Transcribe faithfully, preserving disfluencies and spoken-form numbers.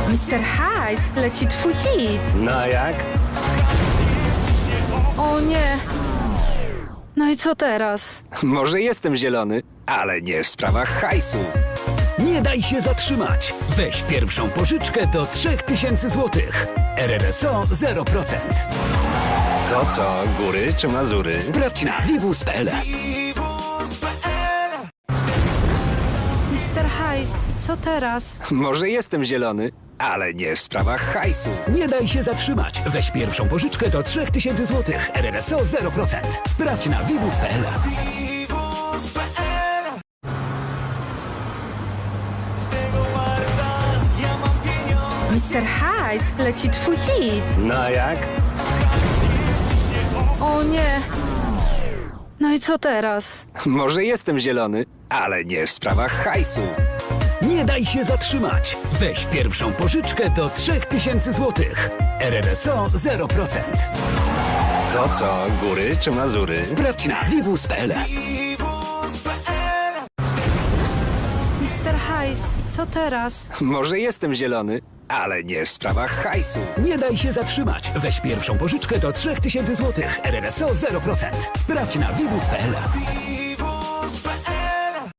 mister Hajs, leci twój hit. No jak? O nie. No i co teraz? Może jestem zielony, ale nie w sprawach hajsu. Nie daj się zatrzymać. Weź pierwszą pożyczkę do trzech tysięcy złotych. R R S O zero procent. To co, góry czy Mazury? Sprawdź na vivus kropka p l. mister Hajs, i co teraz? Może jestem zielony, ale nie w sprawach hajsu. Nie daj się zatrzymać. Weź pierwszą pożyczkę do trzech tysięcy złotych. R R S O zero procent. Sprawdź na vivus kropka p l. mister Hajs, leci twój hit. No jak? O nie. No i co teraz? Może jestem zielony, ale nie w sprawach hajsu. Nie daj się zatrzymać. Weź pierwszą pożyczkę do trzech tysięcy złotych. R R S O zero procent. To co, góry czy Mazury? Sprawdź na vivus kropka p l. mister Hajs, i co teraz? Może jestem zielony, ale nie w sprawach hajsu. Nie daj się zatrzymać. Weź pierwszą pożyczkę do trzech tysięcy złotych. R R S O zero procent. Sprawdź na vivus kropka p l.